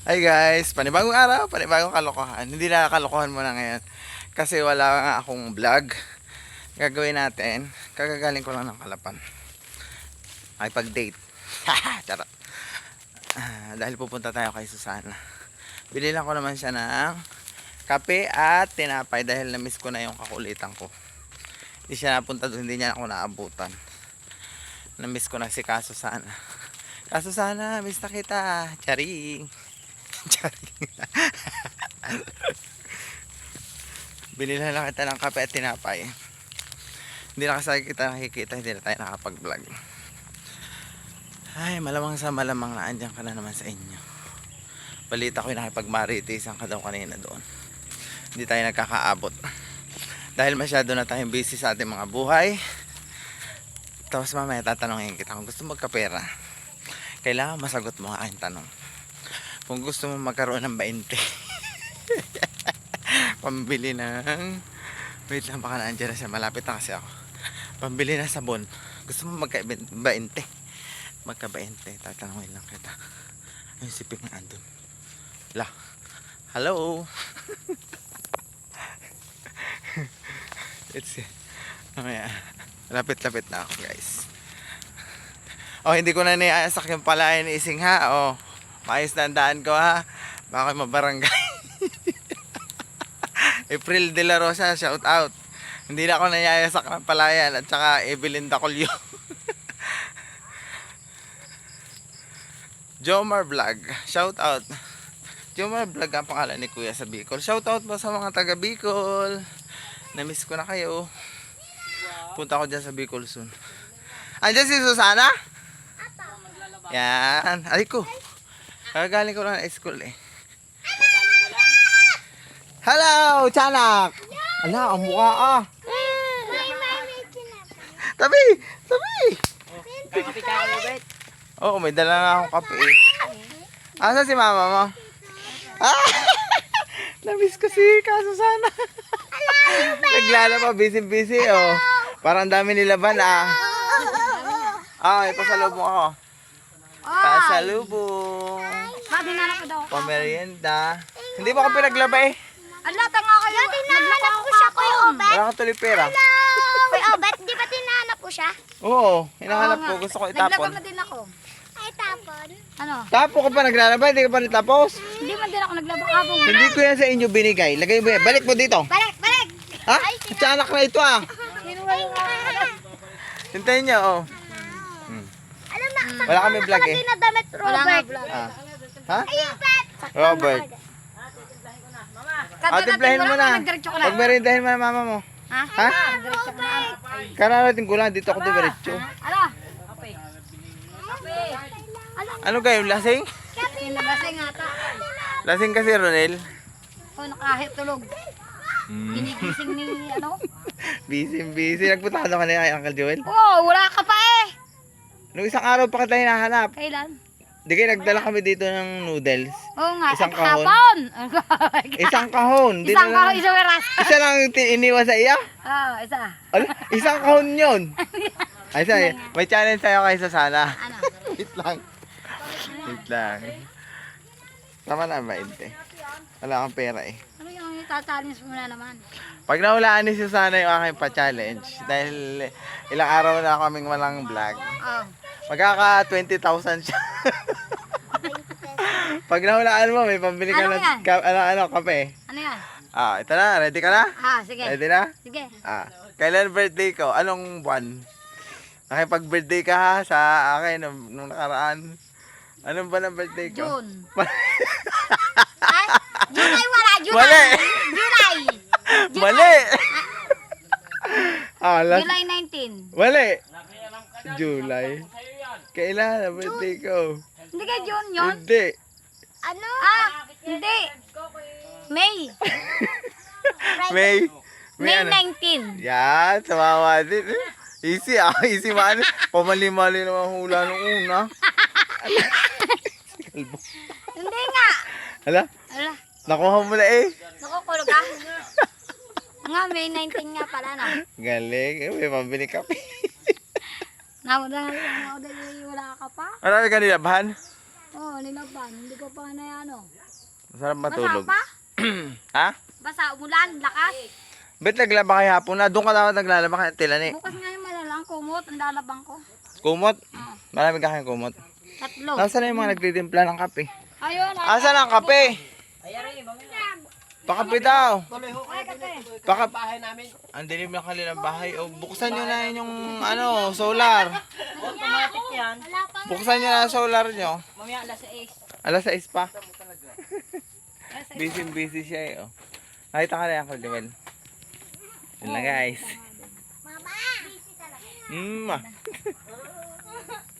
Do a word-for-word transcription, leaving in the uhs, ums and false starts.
Hi guys, panibagong araw, panibagong kalokohan. Hindi na kalokohan muna ngayon kasi wala nga akong vlog. Gagawin natin, kagagaling ko lang ng Kalapan. Ay pag-date. Charot. Ah, dahil pupunta tayo kay Susana. Bili lang ko naman siya ng kape at tinapay dahil na-miss ko na yung kakulitan ko. Hindi siya napunta doon, hindi niya ako naabutan. Na-miss ko na si Kasusana. Kasusana, miss na kita. Charing. Binila lang kita ng kape at tinapay. Hindi na kasi kita nakikita, hindi na tayo nakapag-vlog. Ay, malamang sa malamang na andyan ka na naman sa inyo. Balita ko yung nakipag-maritisan ka daw kanina doon. Hindi tayo nagkakaabot dahil masyado na tayong busy sa ating mga buhay. Tapos mamaya tatanungin kita kung gusto magkapera, kailangan masagot mo ang aking tanong. Kung gusto mo magkaroon ng twenty pambili ng wait lang, baka naandyan na siya, malapit na kasi ako. Pambili ng sabon. Gusto mo magka twenty magka twenty, tatanungin lang kita. Ayun si Pink na andun. La, hello. It's mamaya, lapit-lapit na ako guys. Oh, hindi ko na niasak yung palayan ni Ising ha. Oh, maayos na ang daan ko ha. Baka mabarangay. April de la Rosa, shout out. Hindi na ako nanyayasak ng palayan. At saka Evelyn Dacolio. Jomar Vlog, shout out. Jomar Vlog ang pangalan ni Kuya sa Bicol. Shout out po sa mga taga Bicol. Na-miss ko na kayo. Punta ko dyan sa Bicol soon. Andiyan si Susana? Yan. Ay ko. Kagaling ko lang na school eh. Hello, Chanak! Ala, ang mukha ah. Tabi! Tabi! Kapi ka ulit, Bet. Oo, may dala na akong kape eh. Asa si mama mo? Ah! Namiss ko si Kasusana. Naglalaba, busy-busy oh. Parang dami nilaban ah. Ah, ipasalubong ako. Pasalubong. Sabi na ako daw. Pamerienda. Hindi mo ako pinaglaba eh. Ala, tanga kayo. Naglaba ko siya, Kuya Obet. Wala kang tuloy pera. Kuya Obet, di ba tinahanap ko siya? Oo, hinahanap ko. Gusto ko Naglaba itapon. na din ako. Ay, tapon? Ano? Tapo ka pa naglalaba, hindi ka pa natapos. Hindi man din ako naglaba kabong. Hindi ko yan sa inyo binigay. Lagay mo yan. Balik mo dito. Balik, balik! Ha? Tiyanak na ito ah. Kinuha yung mga... Hintayin niyo oh. Hmm. Alam na, Wala kami vlog eh. na damit, Robert. Ah. Ha? Ayun, Bet! Robert. Ah, timplahin mo na. Nagdiretso ko na. Pag merindahin mo na mama mo. Ha? Ha? Nagdiretso ko na. Kararating ko lang. Dito ako dumiretso. Ala? Kape. Kape. Ala? Ano kayo? Lasing? Kape na lasing ata. Lasing kasi Ronel. O, nakahit tulog. Hmm. Ginigising ni ano? Busy busy. Nagpunta ka na kanina kay Uncle Joel. Oo, wala ka pa eh. Nung isang araw pa kita hinahanap. Kailan? Di kayo nagdala kami dito ng noodles. Oo nga, Isang at kahon? hapon. Isang kahon. Di Isang na- kahon, isang oras. Isa lang yung ti- iniwan sa iya? Oo, isa. Ala, isang kahon yun. Ay, sorry. May challenge tayo kay Susana. Ano? Wait lang. Wait lang. Tama na ba, Inte? Wala kang pera eh. Ano yung itatalis mo na naman? Pag nahulaan ni Susana yung aking pa-challenge, dahil ilang araw na kaming walang vlog, Oo. magkaka twenty thousand siya. Pag nahulaan mo, may pambili ka Ano ng yan? ka, ano, ano, kape. Ano yan? Ah, ito na. Ready ka na? Ah, sige. Ready na? Sige. Ah, kailan birthday ko? Anong buwan? Nakipag-birthday ka ha sa akin nung, nung nakaraan. Anong buwan ang birthday ko? June. Ay, July wala. July. Mali. July. Mali! ah, last... July nineteen. Mali! July. Kailan ang birthday ko? Hindi ka June yun? Hindi. Ano? Ah, hindi. May. May. May ano? nineteen. Yan, samawa din. Easy ah, easy man. Pamali-mali naman hula nung una. Kalbo. Hindi nga. Hala, Ala, nakuha mo na eh. nakukulog ah. Nga, May nineteen nga pala na. Galing, eh, may pambili kape. Naudal, naudal, wala ka pa. Marami ka nilabahan? Oo, oh, nilaban. Hindi ko pa na ano. Masarap Basa matulog. pa? Ha? Basa, umulan, lakas. Ba't naglaba kayo hapon na? Doon ka dapat naglalaba kaya tilani. Bukas nga yung malalang kumot, ang lalabang ko. Kumot? Oo. Marami ka kayong kumot. Tatlo. Nasaan na yung mga nagtitimpla ng kape? Ayun, ay, Asan ang kape? Pakape daw. ay, kape. Baka ang dilim ng kanilang bahay. O, buksan nyo na yun yung ano, solar. Automatic yan. Wala pa. Buksan nyo na ang solar nyo. Mamaya alas sais. Alas sais pa. Busy busy siya eh. Oh. Nakita ka na yan, Uncle Joel. Yun lang guys. Mama! Busy talaga. Mm.